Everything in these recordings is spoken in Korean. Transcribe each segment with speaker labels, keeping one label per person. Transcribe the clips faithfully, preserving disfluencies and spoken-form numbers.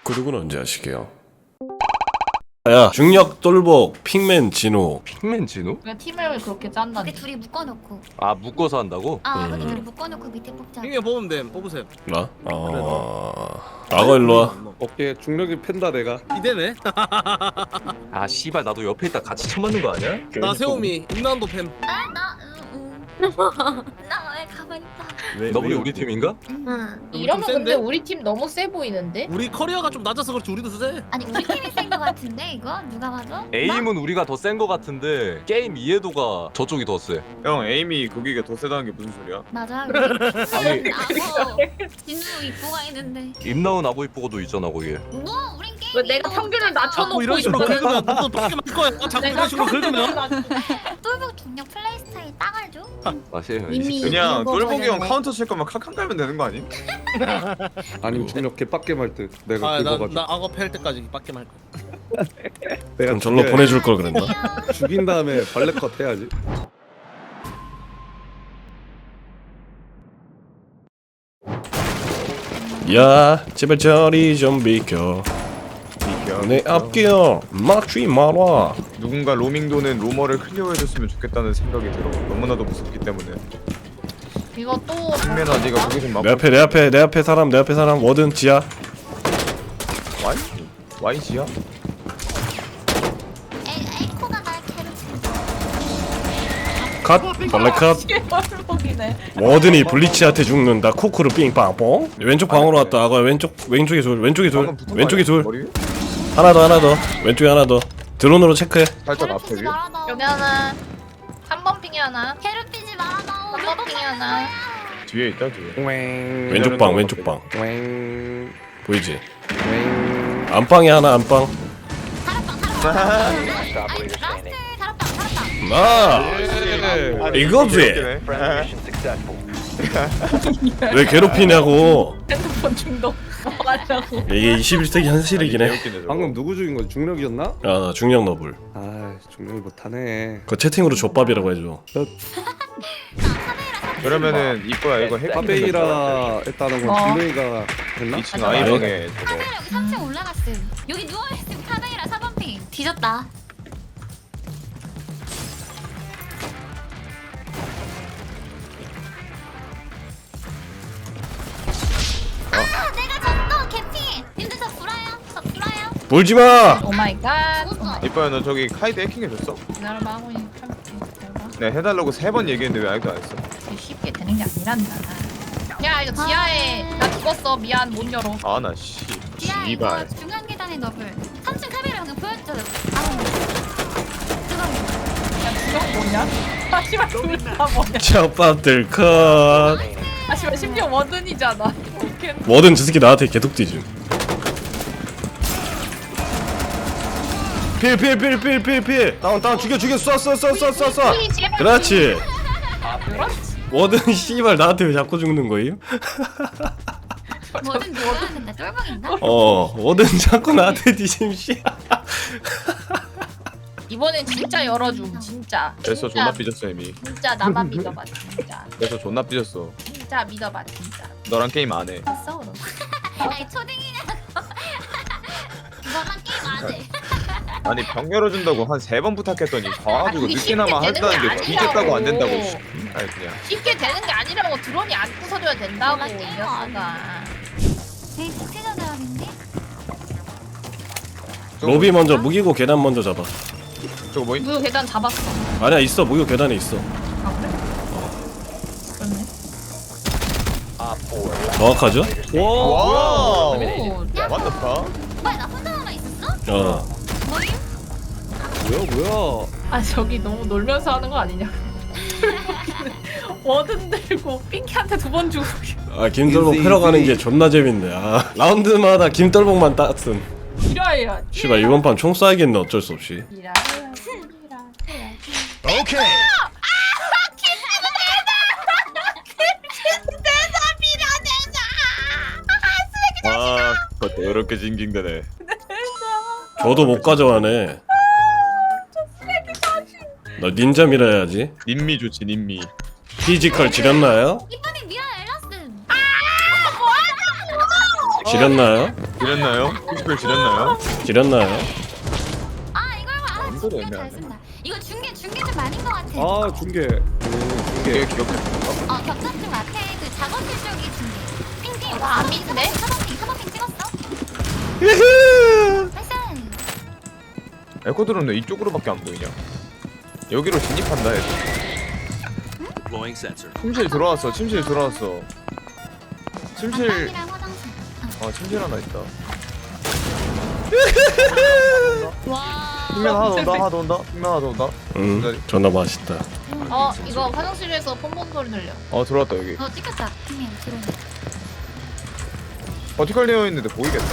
Speaker 1: 구독은 언제 하시게요? 야, 중력 똘복 핑맨 진호.
Speaker 2: 핑맨 진우?
Speaker 3: 그냥 팀을 그렇게 짠다.
Speaker 4: 근데 둘이 묶어놓고
Speaker 2: 아 묶어서 한다고?
Speaker 4: 아
Speaker 1: 음.
Speaker 4: 근데 둘이 묶어놓고 밑에 뽑자.
Speaker 5: 핑계 뽑으면 돼. 뽑으세요.
Speaker 1: 나? 어... 나가 일로와.
Speaker 6: 오케이 중력이 팬다 내가.
Speaker 5: 이대네.
Speaker 2: 아 씨발 나도 옆에 있다 같이 쳐맞는 거 아니야?
Speaker 5: 나 세오미 임나운도 팸.
Speaker 4: 나 응, 응. 나 왜 가만히 있다.
Speaker 2: 너블이 우리 팀인가?
Speaker 4: 응.
Speaker 3: 이러면
Speaker 5: 좀
Speaker 3: 근데
Speaker 5: 센데?
Speaker 3: 우리 팀 너무 세 보이는데?
Speaker 5: 우리 커리어가 좀 낮아서 그렇지 우리도 세.
Speaker 4: 아니 우리 팀이 센 거 같은데 이거 누가 봐도?
Speaker 2: 에임은 우리가 더 센 거 같은데 게임 이해도가 저쪽이 더 세.
Speaker 7: 형 에임이 거기가 더 세다는 게 무슨 소리야?
Speaker 4: 맞아. 우리 나고 진우 이쁘가 있는데.
Speaker 2: 임나은 아고 이쁘고도 있잖아 거기에.
Speaker 4: 뭐 우린 게임.
Speaker 3: 왜 내가 평균을 낮춰놓고
Speaker 5: 자꾸 이런 식으로
Speaker 3: 있거든?
Speaker 5: 긁으면 너도 어떻게 말 거야? 자꾸
Speaker 3: 내가
Speaker 5: 이런 식으로
Speaker 3: 평균을
Speaker 5: 긁으면.
Speaker 3: 낮-
Speaker 4: 똘복 중력 플레이 스타일 딱 알죠?
Speaker 2: 맛이에요.
Speaker 3: 이미-
Speaker 7: 그냥
Speaker 3: 이거
Speaker 7: 똘보기 형
Speaker 3: 저랬네.
Speaker 7: 카운터 칠 거면 카칸 깔면 되는 거 아님?
Speaker 6: 아니면 중력 개빡게 말 듯. 내가
Speaker 5: 아, 나,
Speaker 6: 긁어가지고.
Speaker 5: 나 악어 팰 때까지 빡게 말 거야.
Speaker 6: 내가
Speaker 1: 그럼 절로
Speaker 6: 죽여-
Speaker 1: 보내줄 걸 그랬나?
Speaker 6: 죽인 다음에 발레컷 해야지.
Speaker 1: 야, 제발 저리 좀 비켜. 내 앞길 막지 마라.
Speaker 7: 누군가 로밍도는 로머를 클리어해줬으면 좋겠다는 생각이 들어. 너무나도 무섭기 때문에.
Speaker 3: 이거 또
Speaker 7: 승민아 네가 거기 좀
Speaker 1: 내 앞에 내 앞에 내 앞에 사람 내 앞에 사람 워든 지하.
Speaker 7: 와이? 와이지야?
Speaker 4: 에 에코가 날 캐릭터.
Speaker 1: 컷. 벌레 컷.
Speaker 3: 꼴복이네.
Speaker 1: 워든이 블리치한테 죽는다. 코크로 삥빵뽕. 왼쪽 방으로 왔다. 아가 왼쪽 왼쪽에 둘 왼쪽에 둘
Speaker 7: 방금 붙은 거
Speaker 1: 왼쪽에
Speaker 7: 아니야?
Speaker 1: 둘
Speaker 7: 머리 위에?
Speaker 1: 하나 더 하나 더 왼쪽에 하나 더 드론으로 체크해.
Speaker 7: 살짝 앞에
Speaker 4: 캐릭터지
Speaker 7: 위에?
Speaker 4: 말아 너.
Speaker 3: 여기 하나, 삼 번 핑이 하나,
Speaker 4: 캐릭터지 말아 너.
Speaker 3: 삼 번 핑이 하나.
Speaker 7: 뒤에 있다 뒤에.
Speaker 1: 왼쪽 방 왼쪽 방
Speaker 6: 왱.
Speaker 1: 보이지?
Speaker 6: 왱.
Speaker 1: 안방에 하나 안방.
Speaker 4: 다락방 다락방. 아니 라스트 다락방 다락방.
Speaker 1: 아
Speaker 7: 아,
Speaker 1: 이거지.
Speaker 7: 웃기네.
Speaker 1: 왜 괴롭히냐고.
Speaker 3: 핸드폰 중독. 뭐 하려고.
Speaker 1: 이게 이십일 세기 현실이긴 해.
Speaker 7: 웃기네, 저거.
Speaker 6: 방금 누구 죽인 거지? 중력이었나?
Speaker 1: 아 중력 너블.
Speaker 6: 아 중력이 못하네.
Speaker 1: 그 채팅으로 족밥이라고 해줘.
Speaker 7: 그러면은 이거야 이거 핵
Speaker 6: 파베이라 했다는 건
Speaker 3: 어.
Speaker 6: 중력이가 했나?
Speaker 7: 이 층 아이방에 저거.
Speaker 4: 카메라 여기 삼 층 올라갔음. 여기 누워있음 카메라 사 번 핑. 뒤졌다. 아 내가 졌어 개피. 님들 저 불어요. 저 불어요.
Speaker 1: 울지 마.
Speaker 3: 오 마이 갓. 오 마이
Speaker 7: 이뻐야 너 저기 카이드 해킹해줬어?
Speaker 3: 갓. 기다려봐 하고 있는 참기.
Speaker 7: 내가 해달라고 세 번 얘기했는데 왜 아직도 안 했어?
Speaker 3: 쉽게 되는 게 아니란다. 야 이거 지하에 나 죽었어. 미안 못 열어.
Speaker 7: 아나 씨.
Speaker 4: 지하 이거
Speaker 7: 씨발.
Speaker 4: 중간 계단에 더블. 삼 층 카메라 방금 보여줬잖아. 아 뜨거워.
Speaker 3: 야 지금 뭐냐? 아 씨발 둘다 뭐냐?
Speaker 1: 족밥들 컷.
Speaker 3: 아 씨발 심지어 워든이잖아. 오케이.
Speaker 1: 뭐든 저 새끼 나한테 개독 뒤지. 필필필필필필 다운 다운 죽여 죽여 쏴쏴쏴쏴쏴쏴. 그렇지.
Speaker 3: 그렇지.
Speaker 1: 뭐든 씨발 나한테 왜 자꾸 죽는 거임?
Speaker 4: 뭐든 누워도 된다. 똘봉인가?
Speaker 1: 어 뭐든 자꾸 나한테 뒤심 씨.
Speaker 3: 이번엔 진짜 열어줌 진짜.
Speaker 7: 그래서
Speaker 3: 진짜,
Speaker 7: 존나 삐졌어 이미.
Speaker 3: 진짜 나만 믿어봐 진짜.
Speaker 7: 그래서 존나 삐졌어.
Speaker 3: 진짜 믿어봐 진짜.
Speaker 7: 너랑 게임 안 해.
Speaker 3: 싸워 너.
Speaker 4: 아니 초딩이냐고. 너랑 게임 안 해.
Speaker 7: 아니 병 열어준다고 한 세 번 부탁했더니 가가지고
Speaker 3: 아니,
Speaker 7: 늦게나마
Speaker 3: 쉽게 되는
Speaker 7: 한다는 게
Speaker 3: 게
Speaker 7: 뒤졌다고 안
Speaker 3: 아니라고.
Speaker 7: 된다고. 씨. 아니 그냥.
Speaker 3: 쉽게 되는 게 아니라고 드론이 안 부서져야 된다고
Speaker 4: 너랑
Speaker 3: 이
Speaker 4: 게임
Speaker 3: 녀석아.
Speaker 4: 되게 국제적 대학인데?
Speaker 1: 로비 먼저 무기고 계단 먼저 잡아.
Speaker 7: 저거 뭐임?
Speaker 3: 무효 계단 잡았어.
Speaker 1: 아니야 있어 무기고 계단에 있어.
Speaker 3: 아 그래? 그렇네.
Speaker 1: 정확하죠?
Speaker 6: 와.
Speaker 7: 와.
Speaker 3: 오.
Speaker 7: What the fuck?
Speaker 4: 뭐야 나 혼자 남아 있었어?
Speaker 1: 어.
Speaker 4: 뭐임?
Speaker 6: 뭐야 뭐야?
Speaker 3: 아 저기 너무 놀면서 하는 거 아니냐? 워든 들고 핑키한테 두 번 주고.
Speaker 1: 아 김돌복 패러 가는 게 존나 재밌네. 아 라운드마다 김돌복만 따뜻음.
Speaker 3: 이라야.
Speaker 1: 씨발 이번 판 총 쏴야겠네 어쩔 수 없이.
Speaker 3: 이라야.
Speaker 1: 오케이.
Speaker 7: 아, 그거 더럽게 징징대네.
Speaker 1: 저도 못 가져가네. 너 닌자 밀어야지.
Speaker 7: 님미 좋지 님미.
Speaker 1: 피지컬 지렸나요?
Speaker 4: 이번에 미안 엘라슨.
Speaker 1: 지렸나요?
Speaker 7: 지렸나요? 피지컬 지렸나요?
Speaker 1: 지렸나요?
Speaker 4: 아 이걸 봐. 아,
Speaker 7: 이거
Speaker 4: 중계
Speaker 7: 애매하네.
Speaker 4: 잘 쓴다. 이거 중계 중계 좀 많은 것 같아.
Speaker 6: 아 중계. 음,
Speaker 7: 이게
Speaker 6: 중계.
Speaker 7: 기억해.
Speaker 4: 어 격전중 앞에 그 작업실 쪽이 중계. 핑핑.
Speaker 3: 아, 안 믿네?
Speaker 4: 사번핑 사번핑 찍었어.
Speaker 1: 유후!
Speaker 4: 패션.
Speaker 7: 에코드로는 왜 이쪽으로밖에 안 보이냐? 여기로 진입한다 해. 침실 들어왔어. 침실 들어왔어. 침실.
Speaker 4: 방이랑 화장실.
Speaker 7: 어 침실 하나 있다.
Speaker 4: 와.
Speaker 7: 핑면 하나 더 온다. 하나 더 온다. 핑면 하나 더 온다.
Speaker 1: 음 존나 맛있다.
Speaker 3: 어 이거 화장실에서 폰폰 소리 들려.
Speaker 7: 어 들어왔다 여기.
Speaker 4: 어 찍혔다. 핑면 들어.
Speaker 7: 버티컬 되어 있는데 보이겠다.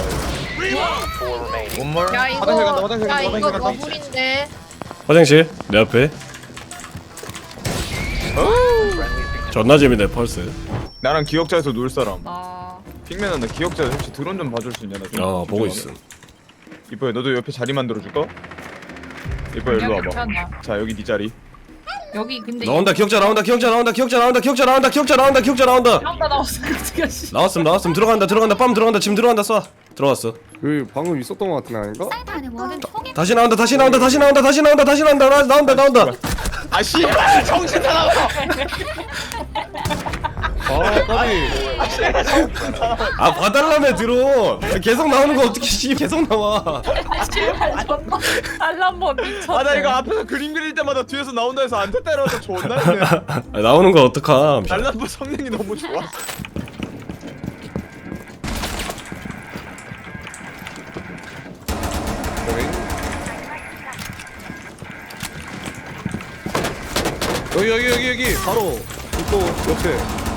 Speaker 7: 원몰.
Speaker 3: 야 이거
Speaker 7: 화장실 간다. 화장실
Speaker 3: 야
Speaker 7: 간다.
Speaker 3: 이거
Speaker 7: 화장실 간다.
Speaker 3: 러블인데.
Speaker 1: 화장실 내 앞에. 존나 재밌네 펄스.
Speaker 7: 나랑 기억자에서 놀 사람.
Speaker 3: 나.
Speaker 7: 핑맨아 나 기억자 혹시 드론 좀 봐줄 수 있냐? 나 좀
Speaker 1: 어 보고
Speaker 7: 집중하게.
Speaker 1: 있음.
Speaker 7: 이뻐야 너도 옆에 자리 만들어 줄까? 이뻐야 일로 와봐.
Speaker 3: 괜찮아.
Speaker 7: 자 여기 네 자리.
Speaker 3: 여기 근데
Speaker 1: 나온다 기억자 나온다 기억자 나온다 기억자 나온다 기억자 나온다 기억자 나온다 기억자 나온다.
Speaker 3: 나온다 나왔어. 어떻게 하시?
Speaker 1: 나왔음 나왔음 들어간다 들어간다 빰 들어간다 지금 들어간다 쏴. 들어왔어.
Speaker 6: 그 방금 있었던 것 같은 거 아닌가?
Speaker 4: 사이트 안에 뭐든 총이.
Speaker 1: 다시 나온다 다시 나온다 다시 나온다 다시 나온다 다시 나온다 나- 나온다 나온다.
Speaker 7: 아 씨발 정신 사나워.
Speaker 6: 아 까비.
Speaker 1: 아 봐달라며 드론. 계속 나오는 거 어떻게 씨 계속 나와.
Speaker 3: 씨발 존나 알람번 미쳤네.
Speaker 7: 아 나 이거 앞에서 그림 그릴 때마다 뒤에서 나온다 해서 안 됐다 이러면서 존나 했네.
Speaker 1: 아, 나오는 거 어떡함.
Speaker 7: 날라프 성능이 너무 좋아.
Speaker 6: 여기 여기 여기 여기 바로 또 옆에.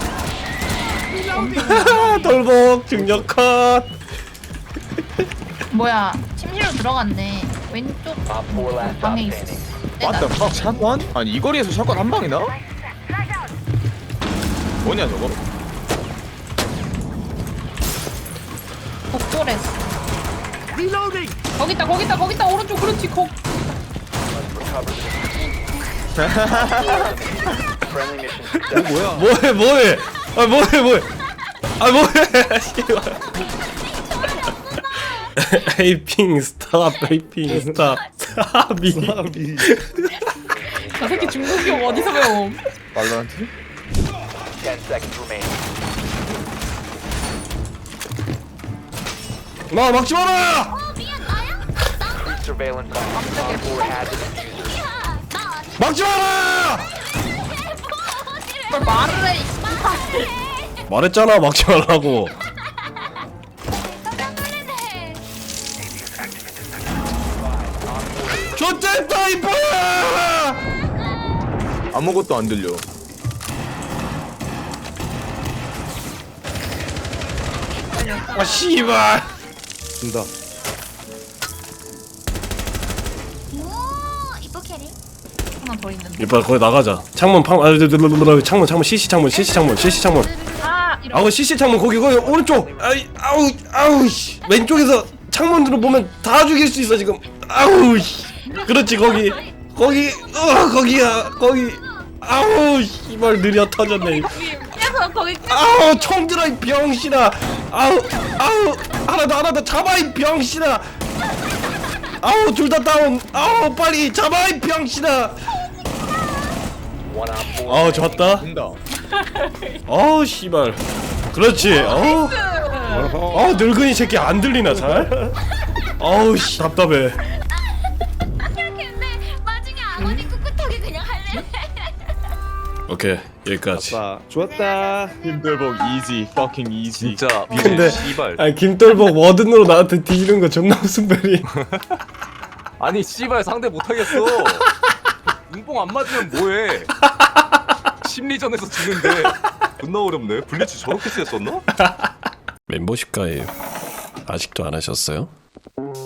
Speaker 1: 돌복 중력 컷.
Speaker 3: 뭐야 침실로 들어갔네. 왼쪽 방에 있어.
Speaker 7: 맞다 팍 샷건? 아니 이 거리에서 샷건 한 방이나? 뭐냐 저거?
Speaker 3: 복도랬어. 거기 있다 거기 있다 거기 있다 오른쪽 그렇지 거.
Speaker 6: 이거 뭐야?
Speaker 1: 뭐해 뭐해. 아 뭐해 뭐해. 아 뭐해. 씨발. 에이핑 스탑 에이핑 스탑 스탑이.
Speaker 6: 사람이.
Speaker 3: 저 새끼 중국용 어디서 배움?
Speaker 7: 말로한테?
Speaker 1: 마 막지 마라.
Speaker 4: 어 미안 나야? 야, 나
Speaker 1: 막지 마라.
Speaker 3: 뭘 말을 해. 이
Speaker 1: 말했잖아 막지 말라고.
Speaker 4: 깜짝 놀랐네.
Speaker 1: 좋댔다 이뻐야.
Speaker 7: 아무것도 안 들려.
Speaker 1: 아 씨발.
Speaker 6: 준다.
Speaker 4: 오 이뻐 캐리.
Speaker 3: 하나 더 있는데.
Speaker 1: 이빨 거기 나가자. 창문 팡. 아, 창문 창문 씨씨 창문 씨씨 창문 씨씨 창문.
Speaker 3: 아 이런.
Speaker 1: 아우 씨씨 창문 거기 거기 오른쪽. 아이 아우 아우 씨. 왼쪽에서 창문으로 보면 다 죽일 수 있어 지금. 아우 씨. 그렇지 거기 거기 어 거기야 거기. 아우 씨발 느려 터졌네.
Speaker 3: 계속 거기 계속.
Speaker 1: 아우 총 들어 이 병신아. 아우 아우 하나 더 하나 더 잡아 이 병신아. 아우 둘 다 다운. 아우 빨리 잡아 이 병신아. 아우 좋았다.
Speaker 7: 된다.
Speaker 1: 아우 씨발. 그렇지. 어우 어 늙은이 새끼 안 들리나 잘? 아우 씨 답답해.
Speaker 4: 근데 나중에 아버님 꿋꿋하게 그냥 할래.
Speaker 1: 오케이 여기까지.
Speaker 6: 자 좋았다.
Speaker 7: 힘들복 easy, fucking easy.
Speaker 2: 진짜
Speaker 1: 근데
Speaker 2: 씨발.
Speaker 1: 아니 김돌복 워든으로 나한테 뒤지는 거 존나 웃음벨이.
Speaker 2: 아니 씨발 상대 못하겠어. 눈뽕 안 맞으면 뭐해? 심리전에서 지는데 존나 어렵네. 블리츠 저렇게 셌었나?
Speaker 1: 멤버십 가입 아직도 안 하셨어요?